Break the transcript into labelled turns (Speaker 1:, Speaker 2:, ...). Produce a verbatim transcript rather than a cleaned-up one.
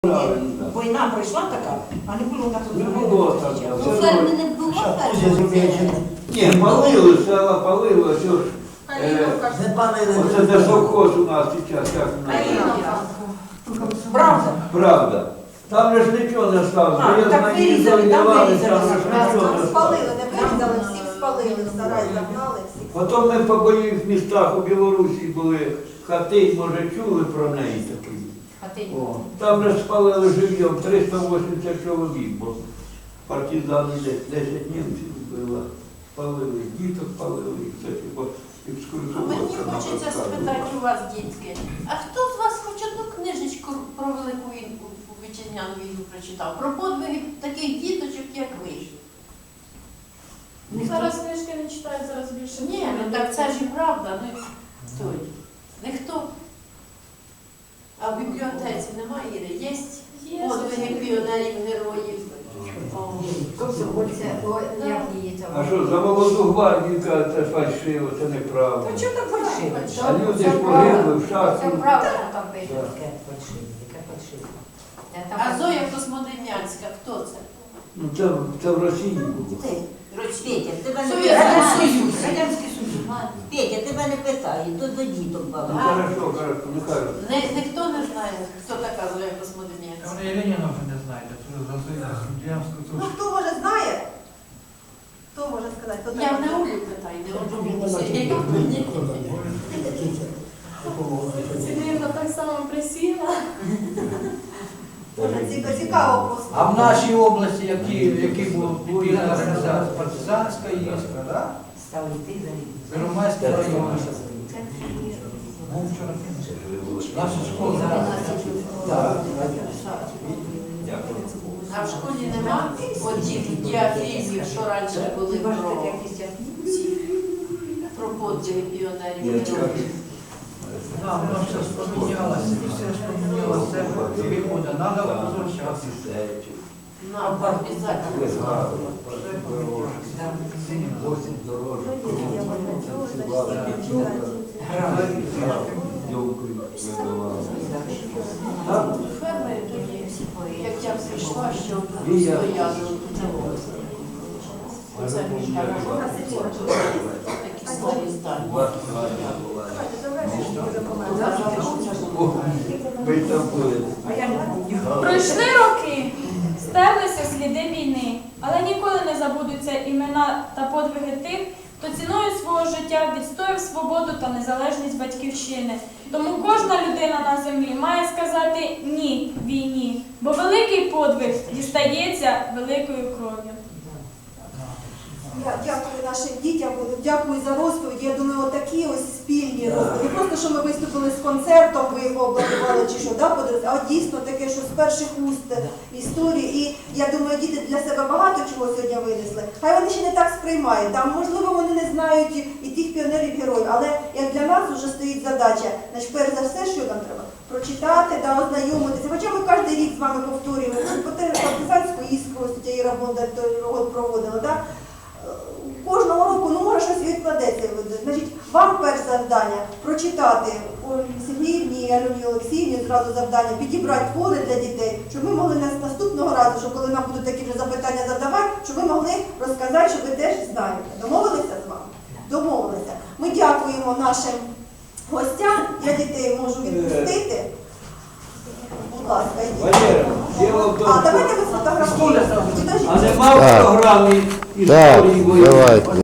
Speaker 1: Війна прийшла така, а не було так.
Speaker 2: Не було так.
Speaker 3: Ну, ферми не було ферми.
Speaker 2: Ні, палили, села палили, все ж. Оце де совхоз у нас зараз, як у нас.
Speaker 1: Правда.
Speaker 2: Правда. Там же ж нічого не сталося.
Speaker 1: А,
Speaker 2: Я
Speaker 1: так
Speaker 2: знаю,
Speaker 1: вирізали, там
Speaker 2: давали,
Speaker 1: вирізали.
Speaker 2: там же ж нічого
Speaker 4: Там
Speaker 2: не
Speaker 4: спалили,
Speaker 2: сталося.
Speaker 4: не вирізали, всіх спалили, в сарай загнали, всіх.
Speaker 2: Потім ми по бойових містах у Білорусі були, хати, може, чули про неї такі. О, там же спалили живьом триста вісімдесят чоловік, бо партизани десь десять німців вбили, спалили, діток палили, і все, бо
Speaker 3: А
Speaker 2: екскурсовод.
Speaker 3: мені хочеться спитати у вас, дітки, а хто з вас хоч одну книжечку про Велику війну, вітчизняну війну прочитав? Про подвиги таких діточок, як ви?
Speaker 5: Зараз книжки не читають, зараз більше.
Speaker 3: Ні, ну так це ж і правда. Ну, той. Ніхто. А в бібліотеці немає, Іри? Є
Speaker 5: Є.
Speaker 3: подвиги піонерів, героїв. О.
Speaker 2: А що, за молоду гвардію, кажуть, це фальшиво, це неправда.
Speaker 1: Та чого так фальшиво?
Speaker 2: А люди ж погибли в шахті.
Speaker 3: Це правда там
Speaker 1: Яке
Speaker 3: пише.
Speaker 1: фальшиво, яке фальшиво.
Speaker 3: А Зоя Космодем'янська, хто це?
Speaker 2: Ну це, це в Росії було.
Speaker 6: Петя, тебе не
Speaker 3: Союз.
Speaker 6: питаю.
Speaker 1: Радянський Союз. Радянський Союз.
Speaker 6: Петя, тебе не питаю, то до діток
Speaker 2: Ну
Speaker 6: баба.
Speaker 2: хорошо, хорошо, нехай.
Speaker 3: Не, ніхто не знає, хто така Зоя Космодем'янська.
Speaker 7: Вони і Леніна вже не знаєте, це за Суддянську
Speaker 4: Ну,
Speaker 7: тут.
Speaker 4: хто може знає? Хто може сказати? Хто
Speaker 3: Я
Speaker 4: так
Speaker 3: не
Speaker 4: знає?
Speaker 3: Олю питаю, не Олю.
Speaker 5: Сидівна так само присіла.
Speaker 4: Дуже ціка- Цікаво просто.
Speaker 7: А в нашій області, які, які були підпільна організація, партизанська іскра, да?
Speaker 1: Стали йти за ним.
Speaker 7: Первомайський район. Наша школа. Так.
Speaker 3: А в школі нема отих діафільмів, що раніше були про ці, про подвиги піонерів, героїв.
Speaker 7: Да, воно все спомінялося, все спомінялося, це виходить, треба возвращатися.
Speaker 3: Нам обов'язково. Фермери тоді, як я прийшла, що стояли тут. Оце між такі старі здання.
Speaker 5: Пройшли роки, стерлися сліди війни, але ніколи не забудуться імена та подвиги тих, хто ціною свого життя відстояв свободу та незалежність батьківщини. Тому кожна людина на землі має сказати «ні» війні, бо великий подвиг дістається великою кров'ю.
Speaker 4: Я дякую нашим дітям, дякую за розповідь. Я думаю, отакі ось спільні розповіді. Не просто, що ми виступили з концертом, ви його обладнували чи що, да, подивилися, а от дійсно таке, що з перших уст історії. І я думаю, діти для себе багато чого сьогодні винесли. Хай вони ще не так сприймають. Там, можливо, вони не знають і тих піонерів-героїв, але як для нас вже стоїть задача, значить, перш за все, що нам треба? Прочитати, да, ознайомитися. Хоча ми кожен рік з вами повторюємо, партизанську іскру, ось тут Іра Бондар проводила, да? Кожного року, ну, може, щось відкладеться. Значить, вам перше завдання прочитати Ользі Сергіївні і Альоні Олексіївні зразу завдання, підібрати твори для дітей, щоб ми могли нас наступного разу, щоб коли нам будуть такі вже запитання задавати, щоб ви могли розказати, що ви теж знаєте. Домовилися з вами? Домовилися. Ми дякуємо нашим гостям. Я дітей можу відпустити. Будь ласка, йдіть.
Speaker 2: Валера, діло в тому,
Speaker 4: А, давайте ви сфотографуєте.
Speaker 2: а нема в програмі
Speaker 8: Так,
Speaker 2: історії війни.
Speaker 8: давайте.